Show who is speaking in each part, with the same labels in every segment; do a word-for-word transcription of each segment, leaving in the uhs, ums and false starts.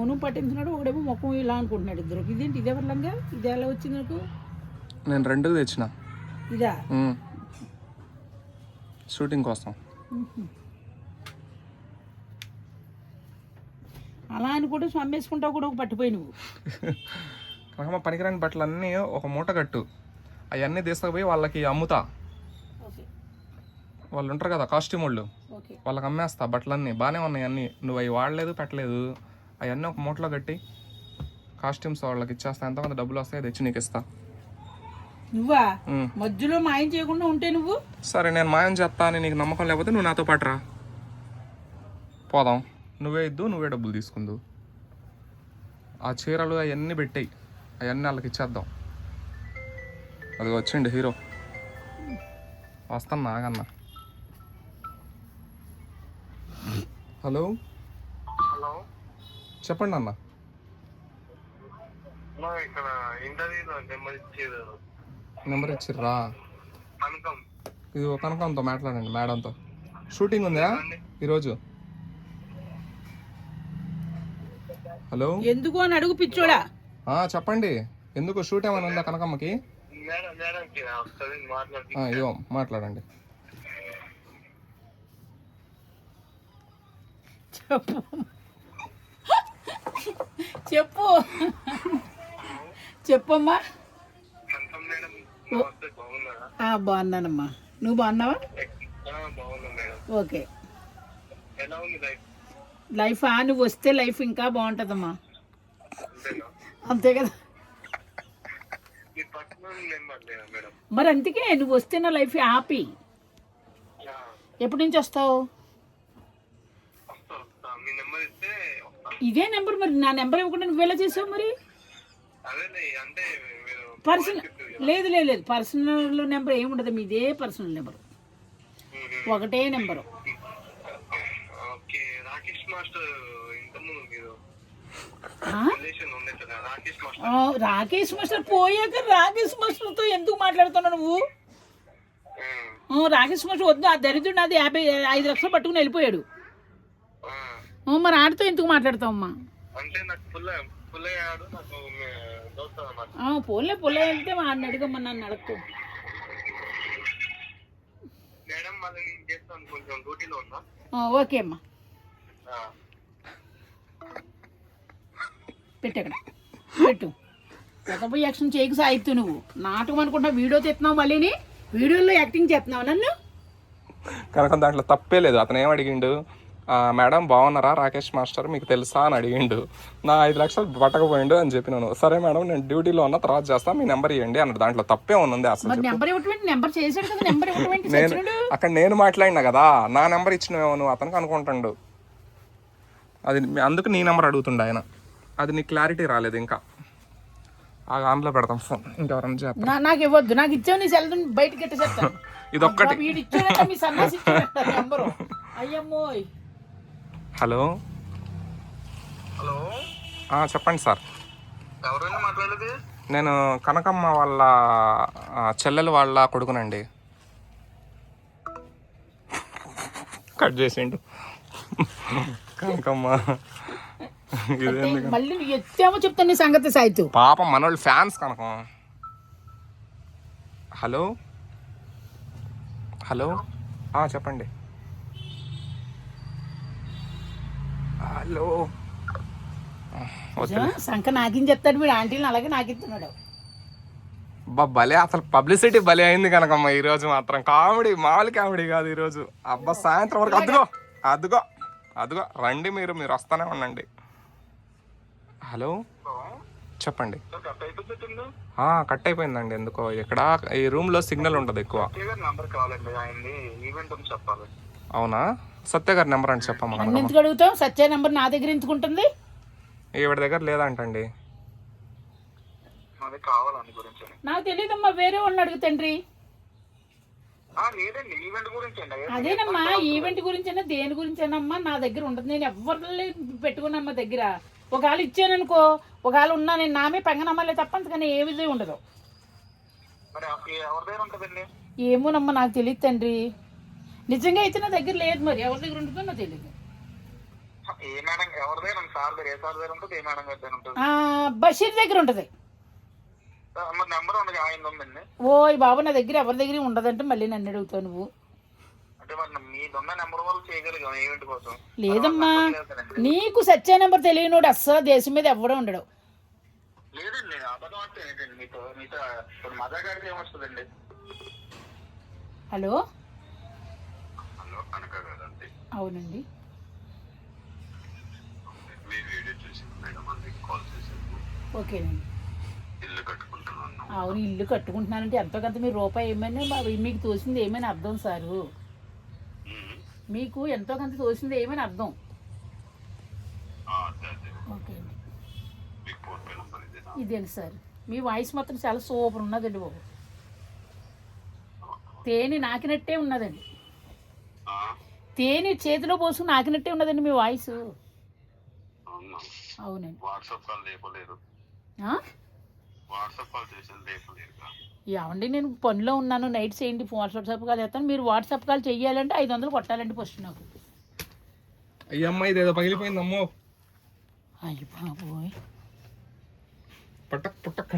Speaker 1: Phone పట్టించున్నాడు, ఒకడేమో ముఖం ఇలా అనుకుంటున్నాడు. ఇద్దరు ఇదేంటి ఇదే వర్లంగా ఇది ఎలా వచ్చింది నాకు?
Speaker 2: నేను రెండుకి తెచ్చిన
Speaker 1: ఇదా
Speaker 2: షూటింగ్ కోసం.
Speaker 1: అలా అని కూడా స్వామేసుకుంటావు కూడా ఒక పట్టిపోయి నువ్వు.
Speaker 2: కనకమ్మ పనికిరాని బట్టలు అన్నీ ఒక మూట కట్టు, అవన్నీ తీసుకుపోయి వాళ్ళకి అమ్ముతా. వాళ్ళు ఉంటారు కదా కాస్ట్యూమ్ వాళ్ళు, వాళ్ళకి అమ్మేస్తా బట్టలన్నీ. బాగానే ఉన్నాయి అన్నీ, నువ్వు అవి వాడలేదు పెట్టలేదు. అవన్నీ ఒక మూటలో కట్టి కాస్ట్యూమ్స్ వాళ్ళకి ఇచ్చేస్తా. ఎంతమంది డబ్బులు వస్తాయి తెచ్చి నీకు ఇస్తా.
Speaker 1: నువ్వా మధ్యలో మాయం చేయకుండా ఉంటే నువ్వు?
Speaker 2: సరే నేను మాయం చేస్తా అని నీకు నమ్మకం లేకపోతే నువ్వు నాతో పాటు రా, పోదాం. నువ్వే ఇద్దు, నువ్వే డబ్బులు తీసుకుందు. ఆ చీరలు అవన్నీ పెట్టాయి, అవన్నీ వాళ్ళకి ఇచ్చేద్దాం. అది వచ్చిండు హీరో, వస్తాను నాగన్నా. హలో
Speaker 3: హలో
Speaker 2: చెప్పండి అన్న.
Speaker 3: ఇక్కడ ఇంటర్వ్యూలో నెంబర్ ఇచ్చారు.
Speaker 2: నెంబర్ ఇచ్చిర్రా?
Speaker 3: కనకం.
Speaker 2: ఇది ఒక కనకంతో మాట్లాడండి, మేడంతో. షూటింగ్ ఉందా ఈరోజు? హలో
Speaker 1: ఎందుకు అని అడుగు పిచ్చోడా.
Speaker 2: చెప్పండి, ఎందుకు షూట్ ఏమైనా ఉందా కనకమ్మకి? ఇవ్వ మాట్లాడండి.
Speaker 1: చెప్పు చెప్పు చెప్పమ్మా. బాగున్నానమ్మా, నువ్వు బాగున్నావా? ఓకే. లైఫ్ ఆ నువ్వు వస్తే లైఫ్ ఇంకా బాగుంటుందమ్మా, అంతే కదా. మరి అందుకే నువ్వు వస్తే నా లైఫ్ హ్యాపీ. ఎప్పటి నుంచి వస్తావు? ఇదే నెంబర్. మరి నా నెంబర్ ఇవ్వకుండా నువ్వు ఎలా చేసావు మరి? పర్సనల్ లేదు లేదు లేదు పర్సనల్ నెంబర్ ఏముండదు, మీదే పర్సనల్ నెంబరు, ఒకటే నెంబరు. రాకేష్ మాస్టర్ పోయాక రాకేష్ మాస్టర్తో ఎందుకు మాట్లాడుతున్నావు నువ్వు? రాకేష్ మాస్టర్ వద్దు, ఆ దరిద్రుడు నాది యాభై ఐదు లక్షలు పట్టుకుని వెళ్ళిపోయాడు. మరి ఆడితో ఎందుకు మాట్లాడతావమ్మా? పోలే పొలే వెళ్తే వాడిని అడగమ్మా, నన్ను అడగకు. ఓకే అమ్మా, పెట్టు అక్కడ పెట్టు. పోయి యాక్షన్ చేయకు సాయిత్తు. నువ్వు నాటకం అనుకుంటా వీడియో తెస్తున్నావు, మళ్ళీ వీడియోలో యాక్టింగ్ చేస్తున్నావు నన్ను.
Speaker 2: కనుక దాంట్లో తప్పే లేదు. అతను ఏం అడిగిండు, మేడం బాగున్నారా రాకేష్ మాస్టర్ మీకు తెలుసా అని అడిగిండు. నా ఐదు లక్షలు పట్టకపోయిండు అని చెప్పినాను. సరే మేడం నేను డ్యూటీలో ఉన్న తర్వాత చేస్తాను, మీ నెంబర్ ఇవ్వండి అన్నాడు. దాంట్లో తప్పే ఉంది అసలు. నేను అక్కడ నేను మాట్లాడినా కదా, నా నెంబర్ ఇచ్చినవేమో నువ్వు అతనికి అనుకుంటాడు. అది అందుకు నీ నెంబర్ అడుగుతుండే ఆయన. అది నీకు క్లారిటీ రాలేదు ఇంకా. ఆన్లో పెడతాం ఫోన్, ఇంకెవరన్నా చేస్తా.
Speaker 1: నాకు ఇవ్వద్దు, నాకు ఇచ్చావు నీ సెల్ బయటకి ఎట్టేస్తాను.
Speaker 2: ఇది ఒక్కటి.
Speaker 1: అయ్యమ్మోయ్.
Speaker 2: హలో
Speaker 3: హలో
Speaker 2: చెప్పండి సార్.
Speaker 3: ఎవరైనా మాట్లాడేది?
Speaker 2: నేను కనకమ్మ వాళ్ళ చెల్లెలు వాళ్ళ కొడుకునండి. కట్ చేసిండు కనకమ్మ.
Speaker 1: మళ్ళీ ఎత్తేమో చెప్తాను నీ సంగతి సాయితు.
Speaker 2: పాపం మనోళ్ళు ఫ్యాన్స్ కనకం. హలో హలో చెప్పండి. హలో
Speaker 1: సంఖ నాకిని చెప్తాడు వీడు, ఆంటీని అలాగే నాకిస్తున్నాడు.
Speaker 2: బా భలే, అసలు పబ్లిసిటీ భలే అయింది కనకమ్మ ఈరోజు మాత్రం. కామెడీ మామూలు కామెడీ కాదు ఈరోజు. అబ్బా సాయంత్రం వరకు అదుగో అదుగో అదుగో రండి, మీరు మీరు వస్తానే ఉండండి. హలో చెప్పండి. కట్ అయిపోయిందండి ఎందుకో. ఇక్కడ ఈ రూమ్ లో సిగ్నల్ ఉండదు ఎక్కువ. అవునా, సత్య గారి నెంబర్ అని చెప్పమ్మా.
Speaker 1: ఎందుకు అడుగుతావు? సత్య నెంబర్ నా దగ్గర ఎందుకు ఉంటుంది?
Speaker 2: ఈవిడ దగ్గర లేదంటండి.
Speaker 1: నాకు తెలియదమ్మా, వేరే వాళ్ళని అడుగుతండ్రి. అదేనమ్మా, ఈవెంట్ గురించి అయినా దేని గురించి అయినా నా దగ్గర ఉంటుంది. నేను ఎవరిని పెట్టుకున్నమ్మా దగ్గర. ఒకవేళ ఇచ్చాననుకో, ఒకవేళ ఉన్నా నేను నామే పెంగనమ్మలే తప్ప అంతకని ఏ విధంగా ఉండదు. ఏమోనమ్మా నాకు తెలియదు తండ్రి, నిజంగా అయితే నా దగ్గర లేదు. మరి ఎవరి దగ్గర ఉంటుందో నాకు తెలియదు.
Speaker 3: ఏ మేడం ఎవరి దగ్గర సార్ దగ్గర ఏ సార్ దగ్గర ఉంటుంది ఏ మేడం గారి దగ్గర ఉంటుంది
Speaker 1: ఆ, బషీర్ దగ్గర ఉంటుంది.
Speaker 3: మరి నెంబర్ ఉండదు ఆయన ఉందండి.
Speaker 1: ఓయ్ బాబు నా దగ్గర ఎవరి దగ్గర ఉండదంటే మళ్ళీ నన్ను అడుగుతావు నువ్వు.
Speaker 3: అంటే మరి మీదున్న నెంబర్ వాళ్ళు చేయగలిగాం ఈవెంట్ కోసం.
Speaker 1: లేదమ్మా, నీకు సత్య నెంబర్ తెలియనోడు అస్సలు దేశం మీద ఎవడో ఉండడు.
Speaker 3: లేదండి అబద్ధం అంటే ఏంటండి మీతో మీతో ఇప్పుడు మజా గారికి ఏమొస్తుందండి.
Speaker 1: హలో
Speaker 3: హలో కనుక కదండి.
Speaker 1: అవునండి.
Speaker 3: మీ వీడియో చూసి మేడం అందరికి కాల్ చేశాను.
Speaker 1: ఓకేనండి.
Speaker 3: ఇల్లు కట్టుకుంటున్నాను.
Speaker 1: అవును, ఇల్లు కట్టుకుంటున్నానంటే ఎంతో కొంత మీరు రూపాయి ఏమైనా మా- మీకు తోసింది ఏమైనా అర్థం సారు. మీకు ఎంతో కొంత తోసింది ఏమైనా అర్థం. ఓకే అండి. ఇదేంటి సార్ మీ వాయిస్ మాత్రం చాలా సూపర్ ఉన్నదండి బాబు. తేనె నాకినట్టే ఉన్నదండి. తేనె చేతిలో పోసుకుని నాకినట్టే ఉన్నదండి మీ వాయిస్. అవునండి.
Speaker 3: వాట్సాప్ కాల్ లేపలేరు. వాట్సాప్ కాల్ చేసేది లేపలేరు.
Speaker 1: ఏమండి నేను పనిలో ఉన్నాను, నైట్ చేయండి వాట్సాప్ కాల్ చేస్తాను. మీరు వాట్సాప్ కాల్ చెయ్యాలంటే ఐదు వందలు కొట్టాలండి ఫస్ట్ నాకు.
Speaker 2: అయ్యమ్మ ఇదేదో పగిలిపోయిందమ్మో.
Speaker 1: అయ్యి బాబోయ్.
Speaker 2: పట్టక్ పుట్టక్.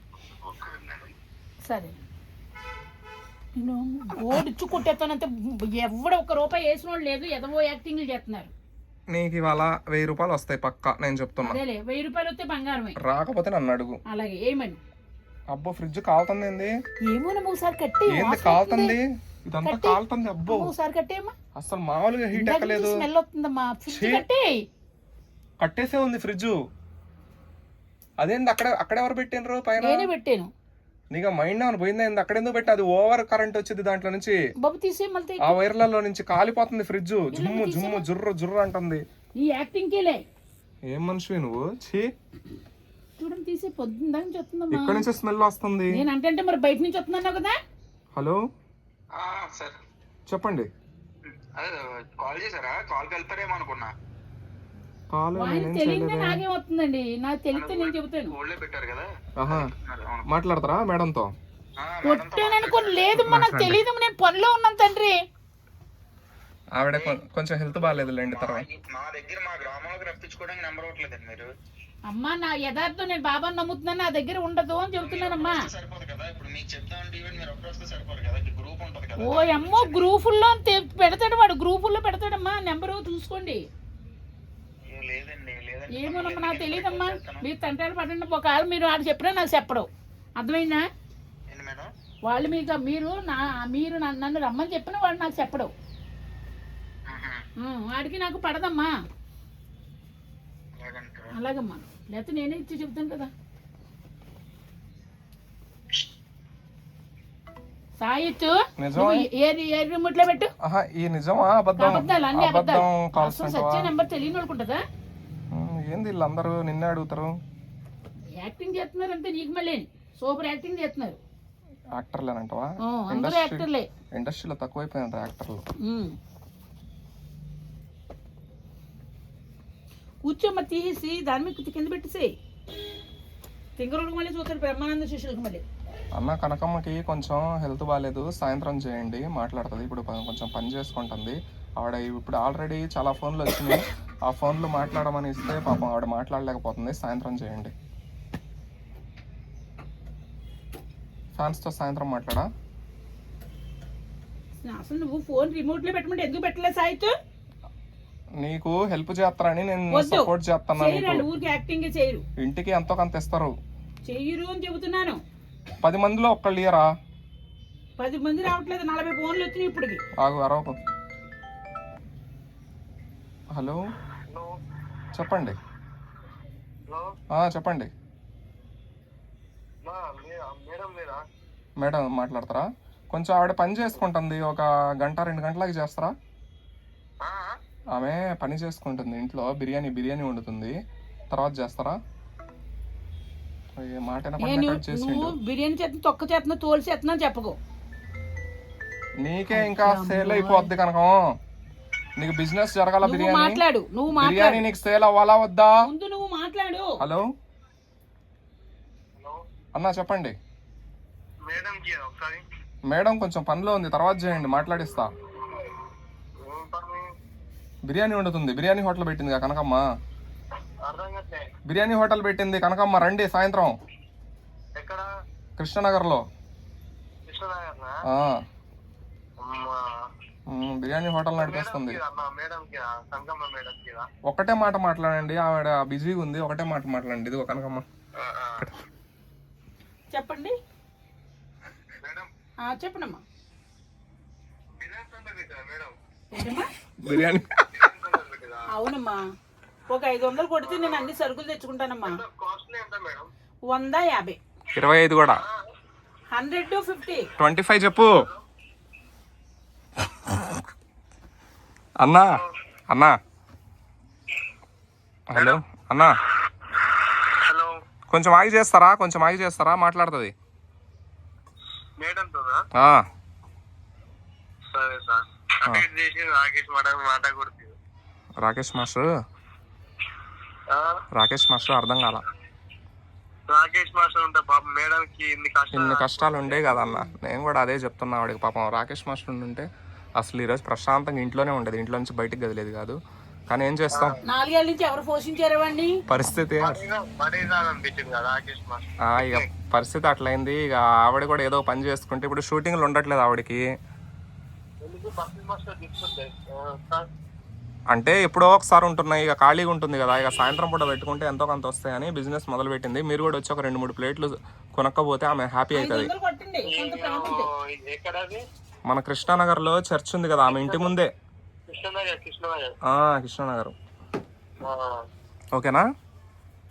Speaker 1: సరే నేను ఓడిచ్చు కొట్టేస్తానంటే ఎవడ ఒక్క రూపాయి వేసిన వాళ్ళు లేదు, ఎదవో యాక్టింగ్లు చేస్తున్నారు.
Speaker 2: నీకు ఇవాళ వెయ్యి రూపాయలు వస్తాయి పక్కా, నేను చెప్తున్నా.
Speaker 1: అదేలే వెయ్యి రూపాయలు వస్తే బంగారమే.
Speaker 2: రాకపోతే నన్ను అడుగు.
Speaker 1: అలాగే ఏమని.
Speaker 2: అబ్బో ఫ్రిడ్జ్ కాలుతుంది ఏంది?
Speaker 1: ఏమో ఒకసారి కట్టి
Speaker 2: ఏంది కాలుతుంది? ఇదంతా కాలుతుంది. అబ్బో
Speaker 1: ఒకసారి కట్టేయమ్మా.
Speaker 2: అసలు మామూలుగా హీట్ ఎక్కలేదు.
Speaker 1: స్మెల్ వస్తుందమ్మా. ఫ్రిడ్జ్ కట్టే.
Speaker 2: కట్టేసే ఉంది ఫ్రిడ్జ్. అదేంది అక్కడ అక్కడ ఎవరు పెట్టినరు పైన?
Speaker 1: నేనే పెట్టాను.
Speaker 2: నీకు మైండ్ ఏమైనా పోయిందా? ఏంది అక్కడ ఎందుకు పెట్టి? అది ఓవర్ కరెంట్ వచ్చింది దాంట్లో నుంచి.
Speaker 1: బాబు తీసే మళ్ళీ
Speaker 2: ఆ వైర్లలో నుంచి కాలిపోతుంది ఫ్రిడ్జ్. జుమ్ము జుమ్ము జుర్రు జుర్రు అంటుంది.
Speaker 1: ఈ యాక్టింగ్ కేలే.
Speaker 2: ఏం మనిషి నువ్వు? ఛీ,
Speaker 1: చూడండి తీసే పొద్దున్న నుంచి వస్తుందమ్మా.
Speaker 2: ఇక్కడ నుంచి స్మెల్ వస్తుంది.
Speaker 1: నేను అంటే మరి బయట నుంచి వస్తున్నాను కదా.
Speaker 2: హలో
Speaker 3: సార్
Speaker 2: చెప్పండి.
Speaker 3: అదే కాల్ చేశారా? కాల్ కలిపారేమో అనుకున్నా.
Speaker 2: కాల్
Speaker 1: తెలియదే నాకేమవుతుందండి, నాకు తెలిస్తే నేను చెబుతాను.
Speaker 3: ఓళ్ళే పెట్టారు కదా.
Speaker 2: ఆహా మాట్లాడతారా మేడంతో?
Speaker 1: కొట్టాననుకోని లేదమ్మా, నాకు తెలియదు, నేను పనిలో ఉన్నాను తండ్రి.
Speaker 2: ఆవిడ కొ- కొంచెం హెల్త్ బాగాలేదులేండి. తర్వాత
Speaker 3: మా దగ్గర మా గ్రామంలోకి రప్పించుకోవడానికి నెంబర్ ఇవ్వట్లేదండి మీరు.
Speaker 1: అమ్మా నా యథార్థం, నేను బాబాని నమ్ముతున్నాను, నా దగ్గర ఉండదు అని చెబుతున్నానమ్మా.
Speaker 3: సరిపోదు కదా ఇప్పుడు మీకు చెప్తామంటే ఈవెన్ మీరు ఒక్కరు వస్తే సరిపోదు కదా. గ్రూప్ ఉంటుంది కదా.
Speaker 1: ఓ అమ్మో గ్రూపుల్లో పెడతాడు వాడు, గ్రూపుల్లో పెడతాడమ్మా. నెంబరు చూసుకోండి.
Speaker 3: లేదండి లేదండి.
Speaker 1: ఏమోనమ్మా నాకు తెలియదమ్మా. మీరు తంటాలు పడండి. ఒకవేళ మీరు వాడు చెప్పినా నాకు చెప్పడం అర్థమైందా?
Speaker 3: ఏంటి మేడం?
Speaker 1: వాళ్ళు మీకు మీరు నా మీరు నన్ను నన్ను రమ్మని చెప్పినా వాడు నాకు చెప్పడం. ఉం, వాడికి నాకు పడదమ్మా. అలాగమ్మా, లేకపోతే నేనే ఇచ్చి చెప్తాను కదా. సాయిత్తు నువ్వు ఏ ఏ రిమోట్ లో పెట్టు.
Speaker 2: ఆహా ఈ నిజమా అబద్ధం?
Speaker 1: అబద్ధాలు అన్ని
Speaker 2: అబద్ధం
Speaker 1: అబద్ధాలు.
Speaker 2: కాల్స్
Speaker 1: అసలు సత్య నెంబర్ తెలియని వాళ్ళకుంటుందా?
Speaker 2: ఏంది వీళ్ళందరూ నిన్నే అడుగుతారు.
Speaker 1: యాక్టింగ్ చేస్తున్నారు అంటే నీకు మళ్ళీ సూపర్ యాక్టింగ్ చేస్తున్నారు.
Speaker 2: యాక్టర్లేనంటవా?
Speaker 1: ఆ, అందరూ యాక్టర్లే.
Speaker 2: ఇండస్ట్రీలో తక్కువైపోయినారు యాక్టర్లు.
Speaker 1: ఉం. కూర్చోమ్మ తీసేసి దాని మీద కింద పెట్టేసేయి. తింగరుడికి మళ్ళీ చూస్తారు బ్రహ్మానంద శిష్యులకు మళ్ళీ.
Speaker 2: అన్న కనకమ్మకి కొంచెం హెల్త్ బాగాలేదు, సాయంత్రం చేయండి మాట్లాడుతుంది. ఇప్పుడు ప- కొంచెం పని చేసుకుంటుంది ఆవిడ. ఇప్పుడు ఆల్రెడీ చాలా ఫోన్లు వచ్చినాయి. ఆ ఫోన్లు మాట్లాడమని ఇస్తే పాపం ఆవిడ మాట్లాడలేకపోతుంది. సాయంత్రం చేయండి. ఫ్యాన్స్తో సాయంత్రం మాట్లాడా?
Speaker 1: అసలు నువ్వు ఫోన్ రిమోట్ లో పెట్టమంటే ఎందుకు పెట్టలేదు సాయితు?
Speaker 2: నీకు హెల్ప్ చేస్తారని నేను
Speaker 1: వద్దు.
Speaker 2: సపోర్ట్ చేస్తాను.
Speaker 1: చేయరు, ఊరికి యాక్టింగ్ చేయరు.
Speaker 2: ఇంటికి ఎంతో కొంత ఇస్తారు.
Speaker 1: చెయ్యరు అని చెబుతున్నాను.
Speaker 2: పది మందిలో ఒక్కళ్ళు ఇయరా?
Speaker 1: పది మంది రావట్లేదు, నలభై ఫోన్లు వచ్చినాయి ఇప్పటికి.
Speaker 2: ఆగు అరవకు. హలో
Speaker 3: హలో
Speaker 2: చెప్పండి.
Speaker 3: హలో
Speaker 2: ఆ, చెప్పండి
Speaker 3: మేడం మీరా?
Speaker 2: మేడం మాట్లాడతారా? కొంచెం ఆవిడ పని చేసుకుంటుంది, ఒక గంట రెండు గంటలకి చేస్తారా? ఆమె పని చేసుకుంటుంది ఇంట్లో, బిర్యానీ బిర్యానీ వండుతుంది, తర్వాత చేస్తారా? ఏ మాట
Speaker 1: నేను నువ్వు బిర్యానీ చేస్తున్నా, తొక్క చేస్తున్నా, తోలు చేస్తున్నా చెప్పకు.
Speaker 2: నీకే ఇంకా సేల్ అయిపోద్ది కనుక. నీకు బిజినెస్ జరగాల.
Speaker 1: నువ్వు
Speaker 2: బిర్యానీ
Speaker 1: మాట్లాడు, నువ్వు
Speaker 2: బిర్యానీ
Speaker 1: మాట్లాడు.
Speaker 2: నీకు సేల్ అవ్వాలా వద్దా?
Speaker 1: ముందు నువ్వు మాట్లాడు.
Speaker 2: హలో
Speaker 3: హలో
Speaker 2: అన్నా చెప్పండి.
Speaker 3: మేడం కి ఒకసారి.
Speaker 2: మేడం కొంచెం పనిలో ఉంది, తర్వాత చేయండి, మాట్లాడిస్తా. బిర్యానీ వండుతుంది, బిర్యానీ హోటల్ పెట్టింది కనకమ్మ.
Speaker 3: అర్థం కావట్లే.
Speaker 2: బిర్యానీ హోటల్ పెట్టింది కనకమ్మ, రండి సాయంత్రం.
Speaker 3: ఎక్కడ?
Speaker 2: కృష్ణనగర్లో.
Speaker 3: కృష్ణనగర్నా?
Speaker 2: ఆ,
Speaker 3: అమ్మా.
Speaker 2: ఉమ్, బిర్యానీ హోటల్ నడిపిస్తుంది.
Speaker 3: అమ్మా, మేడంకి కనకమ్మ మేడంకి
Speaker 2: ఒకటే మాట మాట్లాడండి, ఆవిడ బిజీగా ఉంది, ఒకటే మాట మాట్లాడండి. ఇది కనకమ్మ
Speaker 1: చెప్పండి.
Speaker 3: మేడం
Speaker 1: ఆ, చెప్పండమ్మా.
Speaker 3: మేడం
Speaker 1: ఏంటమ్మా?
Speaker 2: బిర్యానీ
Speaker 1: అవునమ్మా, ఒక ఐదు వందలు కొడితే నేను అన్ని సరుకులు తెచ్చుకుంటానమ్మా.
Speaker 3: కాస్ట్లీ ఎంత మేడం?
Speaker 1: వంద యాభై.
Speaker 2: ఇరవై ఐదు కూడా.
Speaker 1: Hundred to fifty.
Speaker 2: Twenty five చెప్పు. అన్నా అన్నా హలో అన్నా,
Speaker 3: హలో,
Speaker 2: కొంచెం ఆగి చేస్తారా, కొంచెం ఆగి చేస్తారా, మాట్లాడుతుంది.
Speaker 3: మేడంతో
Speaker 2: ఆ,
Speaker 3: సరే సార్. అప్డేట్ చేసి రాకేష్ మాట మాట కొడుతుంది.
Speaker 2: రాకేష్ మాస్టర్, రాకేష్ మాస్టర్ అర్థం కాల.
Speaker 3: రాకేష్ మాస్టర్ ఉంటే పాపం మేడంకి ఇన్ని కష్టాలు
Speaker 2: ఇన్ని కష్టాలు ఉండే కదన్న, నేను కూడా అదే చెప్తున్నా ఆవిడకి. పాపం రాకేష్ మాస్టర్ ఉంటే అసలు ఈరోజు ప్రశాంతంగా ఇంట్లోనే ఉండేది, ఇంట్లో నుంచి బయటికి గదిలేదు కాదు. కానీ ఏం చేస్తాం,
Speaker 1: నాలుగేళ్ల నుంచి ఎవరు పోషించారు వాడిని?
Speaker 2: పరిస్థితి
Speaker 3: అనిపించింది కదా రాకేష్ మాస్టర్.
Speaker 2: ఆ, ఇక పరిస్థితి అట్లయింది. ఇక ఆవిడ కూడా ఏదో పని చేసుకుంటే ఇప్పుడు షూటింగ్లు ఉండట్లేదు ఆవిడకి.
Speaker 3: ఎందుకు బస్సు మాస్టర్ తీసుకుంటే సార్?
Speaker 2: అంటే ఎప్పుడో ఒకసారి ఉంటున్నాయి, ఇక ఖాళీగా ఉంటుంది కదా, ఇక సాయంత్రం పూట పెట్టుకుంటే ఎంతో కొంత వస్తాయని బిజినెస్ మొదలు పెట్టింది. మీరు కూడా వచ్చి ఒక రెండు మూడు ప్లేట్లు కొనక్కపోతే ఆమె హ్యాపీ
Speaker 1: ఐదు
Speaker 2: అవుతుంది.
Speaker 1: వందలు కొట్టండి, కొంత ప్రేమ ఉంటే.
Speaker 3: ఎక్కడది?
Speaker 2: మన కృష్ణానగర్లో చర్చ్ ఉంది కదా, ఆమె ఇంటి ముందే.
Speaker 3: కృష్ణనగర్. కృష్ణనగర్.
Speaker 2: ఆ, కృష్ణానగర్.
Speaker 3: ఆ.
Speaker 2: ఓకేనా?